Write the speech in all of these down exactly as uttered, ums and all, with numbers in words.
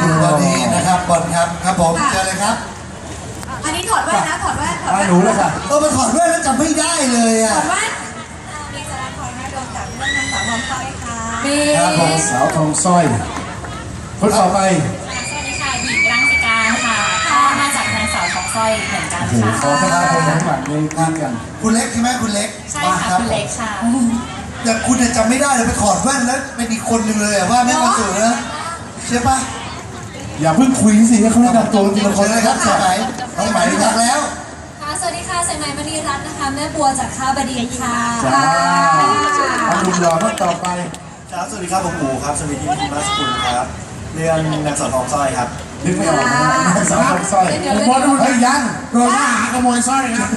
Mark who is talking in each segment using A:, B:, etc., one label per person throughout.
A: สวัสดีนะครับบอลครับครับผมเจอเลยครับ
B: อันนี้ถอดแว่นนะถอดแว่นถอดแว่น
C: หนูเลยค่ะ
A: เออมาถอดแว่นแล้วจำไม่ได้เลยอ่ะ
B: ถอดแว่น
D: มีสารคอยแม่ดวงจากเรื่องนางสาวทองสร้อยค่ะ
B: มี
C: ครับผมสาวทองสร้อยคนต่อไป
D: สวัสดีค่ะหญิงรังสิการค่ะก็มาจากนางสาวทองสร้อยเหมือนกัน
C: โอ้โห
D: ค่ะ
C: ขอพระคุณทั้งหลังในงานกัน
A: คุณเล็กใช่ไหมคุณเล็ก
D: ใช่
A: มา
D: ค่ะ
A: รับ
D: คุณเล็กค่ะ
A: แต่คุณเนี่ยจำไม่ได้เลยไปถอดแว่นแล้วเป็นอีกคนหนึ่งเลยอะว่าแม่มาสู่นะใช่ปะ
C: อย่าเพิ่งคุยสิให้เขาแนะนำตัวทีละค
A: เชิ
C: น
A: ญเล
C: เลย ย
A: ค
C: ค
A: รั
C: รั
A: บบ สายไหมน้องไหมรู้จักแล้ว
D: ค่ะสวัสดีค่ะสายไหมมณีรัตน์นะคะแม่บัวจากข้าวบดีค่ะ
C: จ้าเอาหนุ่มหล่อท่านต่อไป
E: ครับสวัสดีครับผมปู่ครับสวัสดีพี่มาสกุลครับเรื่องนางสาวทองสร้อยครับ
C: นึกไม่ออกนะสาวทองสร้อยผมว่าดูเฮ้ยยังโดนหาขโมยสร้อยครับ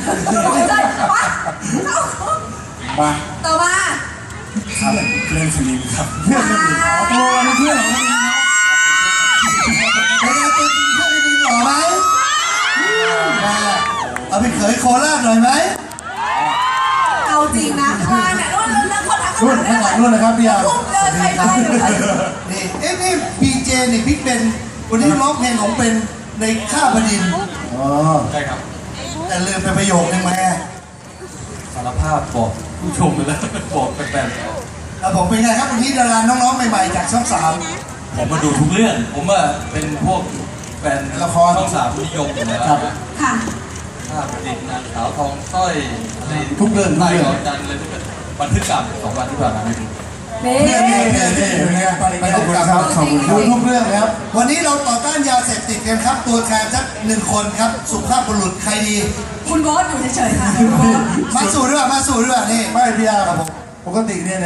C: มา
B: ต่อมา
E: ครับเรื่องฟิลิปครับ
C: เพื่อนสนิทอ๋อตัวเป็นเพื่อนของเรา
A: เป็นไงตัวจริงเพื่อนจริงหล่อไหมเอาไปเขยโคราชหน่อยไหม
B: เอาจริงนะข้างล่างเนี่ยรุ่นเรื่องคนทัก
C: รุ่นข้างหลังรุ่นนะครับพี่ยา
B: พุ่งเดินไปไปเลย
A: นี่เอ๊ะนี่พีเจนี่พี่เป็นวันนี้ร้องเพลงของเป็นในข้าบดินทร์
C: อ๋อ
E: ใช่ครับ
A: แต่ลืมไปประโยคนึงมา
E: สารภาพบอกผู้ชมไปแล้วบอกแฟน
A: แล้วผมเป็นไงครับวันนี้ดาราน้องๆใหม่ๆจากช่องสาม
F: ๆผมมาดูทุกเรื่อง ผมว่าเป็นพวกแฟนละครช่องสามนิยมอยู่แล้วนะ
B: ค่ะ
F: ภาพดินนางสาวทองสร้อยอะไร
C: ทุกเรื่องทุก
F: ไล่
C: เรื่อง
F: หลอนจันทร์เลยที่เป็นบันทึกกรรมสองวันที่ผ่านมาไม่ดู
B: นี่
C: เนี่ยเนี่ยเนี่ยเนี่ยเป็นไงไปขอบคุณครับขอบคุณดูทุกเรื่องครับ
A: วันนี้เราต่อต้านยาเสพติดกันครับ ตัวแทนสักหนึ่งคนครับสุภาพบุรุษใครดี
B: คุณโบ๊ทอยู่เฉยๆค่ะคุณโบ๊ท
A: มาสู่ด้วยมาสู่ด้วยนี่
C: ไม่พี่ยาปกติเนี่ย